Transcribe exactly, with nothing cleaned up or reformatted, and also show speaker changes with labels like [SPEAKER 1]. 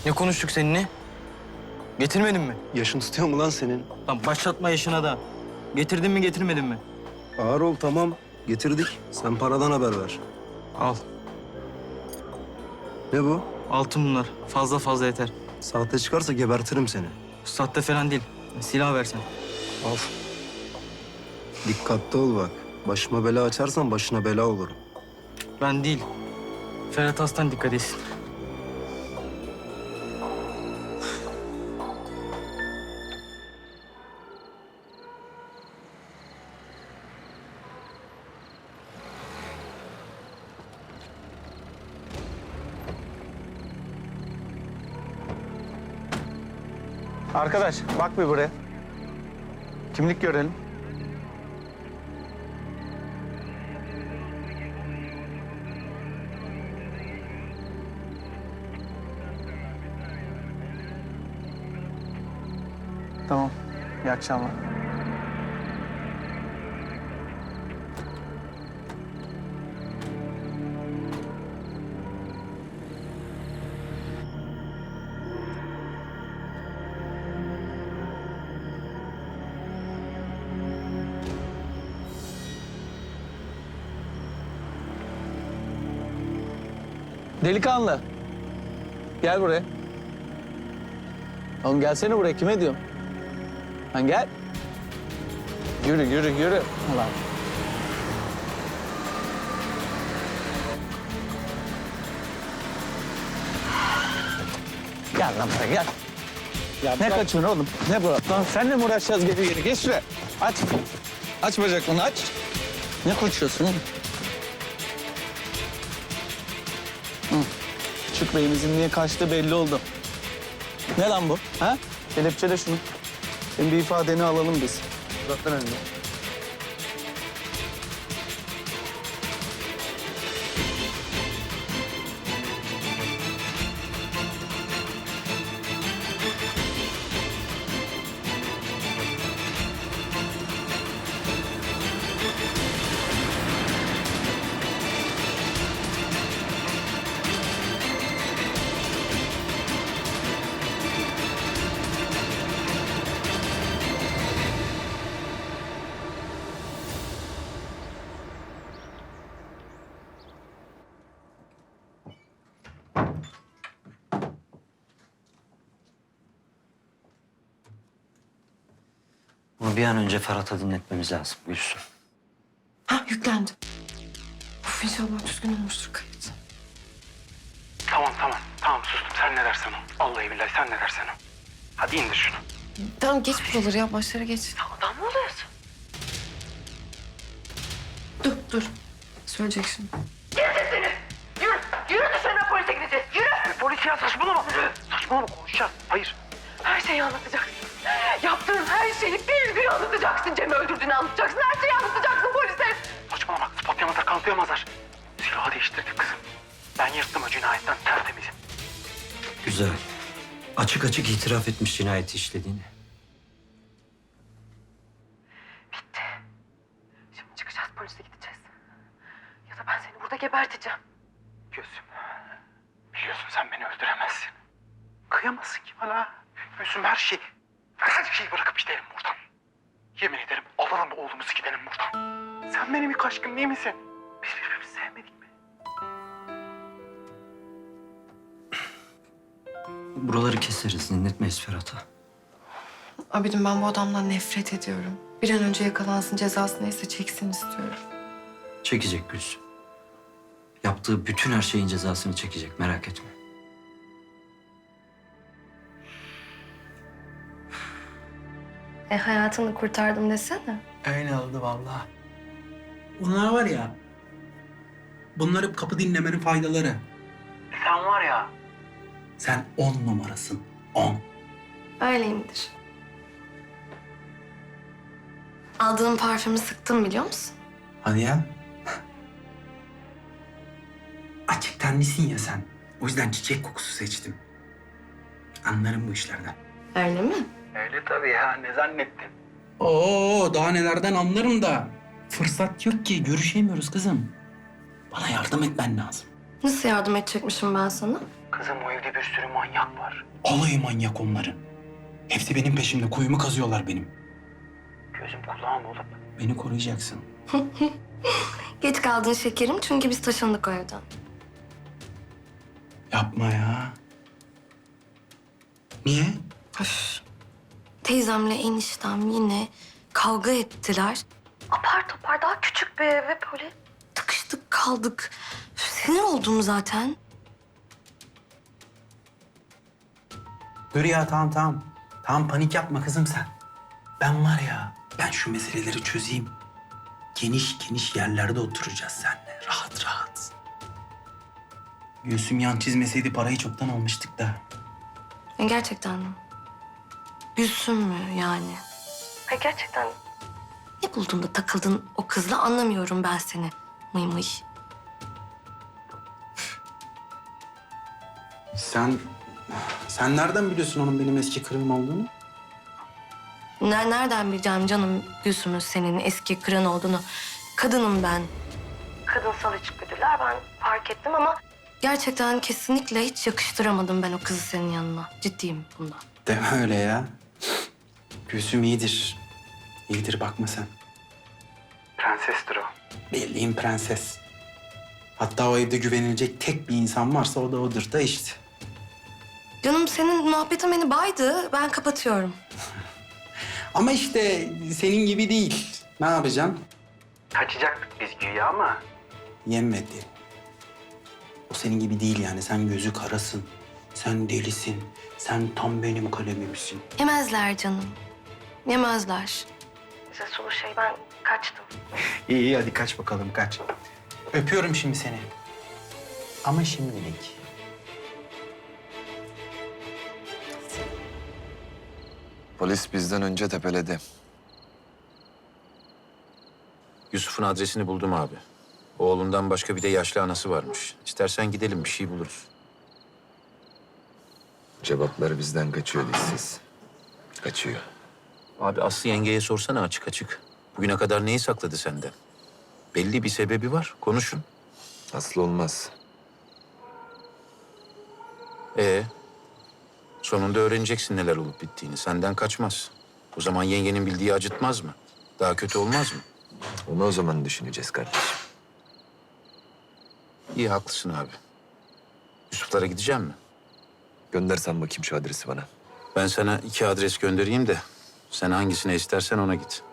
[SPEAKER 1] Ne konuştuk seninle? Getirmedin mi?
[SPEAKER 2] Yaşın tutuyor mu lan senin?
[SPEAKER 1] Lan başlatma yaşına da. Getirdin mi getirmedin mi?
[SPEAKER 2] Ağır ol tamam. Getirdik. Sen paradan haber ver.
[SPEAKER 1] Al.
[SPEAKER 2] Ne bu?
[SPEAKER 1] Altın bunlar. Fazla fazla yeter.
[SPEAKER 2] Sahte çıkarsa gebertirim seni.
[SPEAKER 1] Sahte falan değil. Silah versen.
[SPEAKER 2] Al. Dikkatli ol bak. Başıma bela açarsan başına bela olurum.
[SPEAKER 1] Ben değil. Ferhat Aslan dikkat etsin.
[SPEAKER 3] Arkadaş bak bir buraya. Kimlik görelim. Tamam. İyi akşamlar. Delikanlı. Gel buraya. Oğlum gelsene buraya. Kime diyorum? Lan gel. Yürü, yürü, yürü. Ulan. Gel lan buraya, gel. Ya ne kaçıyorsun oğlum? Ne bu? Lan seninle mi uğraşacağız geri geri? Geç şuraya. Aç. Aç bacaklarını, aç. Ne kaçıyorsun oğlum? Hı. Küçük beyimizin niye kaçtığı belli oldu. Ne lan bu? Ha? Kelepçele şunu. Senin bir ifadeni alalım biz. Uzat lan önüne.
[SPEAKER 4] Bunu bir an önce Ferhat'a dinletmemiz lazım Gülsüm.
[SPEAKER 5] Ha yüklendim. Of inşallah düzgün olmuştur kayıt.
[SPEAKER 6] Tamam tamam. Tamam sustum. Sen ne dersen o. Vallahi billahi sen ne dersen o. Hadi indir şunu.
[SPEAKER 5] Tamam geç buraları ya başlara geç.
[SPEAKER 6] Adam mı oluyorsun?
[SPEAKER 5] Dur dur. Söyleyecek şimdi.
[SPEAKER 6] Yürü. Yürü dışarıdan polise gideceğiz. Yürü. Polis ya saçmalama. Saçmalama konuşacağız. Hayır.
[SPEAKER 7] Her şeyi anlatacaksın. Yaptığın her şeyi bir bir anlatacaksın. Cem'i öldürdüğünü anlatacaksın. Her şeyi anlatacaksın polise.
[SPEAKER 6] Saçmalama. Ispatlayamazlar, kanıtlayamazlar. Silahı değiştirdik kızım. Ben yırttım o cinayetten tertemizim.
[SPEAKER 4] Güzel. Açık açık itiraf etmiş cinayeti işlediğini.
[SPEAKER 7] Bitti. Şimdi çıkacağız polise gideceğiz. Ya da ben seni burada geberteceğim.
[SPEAKER 6] Gülsüm. Biliyorsun sen beni öldüremezsin. Kıyamazsın ki bana. Gülsüm her şeyi, her şeyi bırakıp gidelim buradan. Yemin ederim alalım oğlumuzu gidelim buradan. Sen benim ilk aşkım değil misin? Biz birbirimizi sevmedik mi?
[SPEAKER 4] Buraları keseriz, dinletmeyiz Ferhat'a.
[SPEAKER 5] Abicim ben bu adamdan nefret ediyorum. Bir an önce yakalansın cezası neyse çeksin istiyorum.
[SPEAKER 4] Çekecek Gülsüm. Yaptığı bütün her şeyin cezasını çekecek, merak etme.
[SPEAKER 5] E hayatını kurtardım desene.
[SPEAKER 8] Öyle oldu vallahi. Bunlar var ya, bunlar hep kapı dinlemenin faydaları.
[SPEAKER 6] Sen var ya.
[SPEAKER 8] Sen on numarasın, on.
[SPEAKER 5] Öyleyimdir. Aldığım parfümü sıktım biliyor musun?
[SPEAKER 8] Hadi ya. Açık tenlisin ya sen. O yüzden çiçek kokusu seçtim. Anlarım bu işlerden.
[SPEAKER 5] Öyle mi?
[SPEAKER 6] Öyle tabii ya, ne zannettin?
[SPEAKER 8] Oo, daha nelerden anlarım da. Fırsat yok ki, görüşemiyoruz kızım. Bana yardım etmen lazım.
[SPEAKER 5] Nasıl yardım edecekmişim ben sana?
[SPEAKER 6] Kızım o evde bir sürü manyak var.
[SPEAKER 8] Alayı manyak onların. Hepsi benim peşimde. Kuyumu kazıyorlar benim.
[SPEAKER 6] Gözüm kulağım olup.
[SPEAKER 8] Beni koruyacaksın.
[SPEAKER 5] Geç kaldın şekerim çünkü biz taşındık o evden.
[SPEAKER 8] Yapma ya. Niye?
[SPEAKER 5] Öf. Teyzemle eniştem yine kavga ettiler. Apar topar daha küçük bir eve böyle tıkıştık kaldık. Üf, sinir oldum zaten.
[SPEAKER 8] Dur ya tamam tamam. Tamam panik yapma kızım sen. Ben var ya ben şu meseleleri çözeyim. Geniş geniş yerlerde oturacağız seninle. Rahat rahat. Gülsüm yan çizmeseydi parayı çoktan almıştık da.
[SPEAKER 5] Ya gerçekten mi? Gülsün mü yani? Ha gerçekten. Ne buldun da takıldın o kızla anlamıyorum ben seni. Mıy mıy.
[SPEAKER 8] Sen... Sen nereden biliyorsun onun benim eski kırığım olduğunu?
[SPEAKER 5] Ne, nereden bileceğim canım Gülsüm'ün senin eski kıran olduğunu. Kadınım ben. Kadınsal içgüdüler ben fark ettim ama... Gerçekten kesinlikle hiç yakıştıramadım ben o kızı senin yanına. Ciddiyim bunda.
[SPEAKER 8] Deme öyle ya. Gülsüm iyidir. İyidir bakma sen.
[SPEAKER 6] Prensestir o.
[SPEAKER 8] Bildiğin prenses. Hatta o evde güvenilecek tek bir insan varsa o da odur da işte.
[SPEAKER 5] Canım senin muhabbetin beni baydı. Ben kapatıyorum.
[SPEAKER 8] Ama işte senin gibi değil. Ne yapacaksın?
[SPEAKER 6] Kaçacaktık biz güya ama.
[SPEAKER 8] Yemedi. O senin gibi değil yani. Sen gözü karasın. Sen delisin. Sen tam benim kalemimsin.
[SPEAKER 5] Yemezler canım. Yemezler. Size sulu şey ben kaçtım.
[SPEAKER 8] İyi iyi hadi kaç bakalım kaç. Öpüyorum şimdi seni. Ama şimdilik.
[SPEAKER 9] Polis bizden önce tepeledi.
[SPEAKER 10] Yusuf'un adresini buldum abi. Oğlundan başka bir de yaşlı anası varmış. İstersen gidelim bir şey buluruz.
[SPEAKER 9] Cevapları bizden kaçıyor dişsiz. Kaçıyor.
[SPEAKER 10] Abi Aslı yengeye sorsana açık açık. Bugüne kadar neyi sakladı senden? Belli bir sebebi var. Konuşun.
[SPEAKER 9] Aslı olmaz.
[SPEAKER 10] Ee, sonunda öğreneceksin neler olup bittiğini. Senden kaçmaz. O zaman yengenin bildiği acıtmaz mı? Daha kötü olmaz mı?
[SPEAKER 9] Onu o zaman düşüneceğiz kardeşim.
[SPEAKER 10] İyi haklısın abi. Yusuf'lara gideceğim mi?
[SPEAKER 9] Göndersen bakayım şu adresi bana.
[SPEAKER 10] Ben sana iki adres göndereyim de sen hangisine istersen ona git.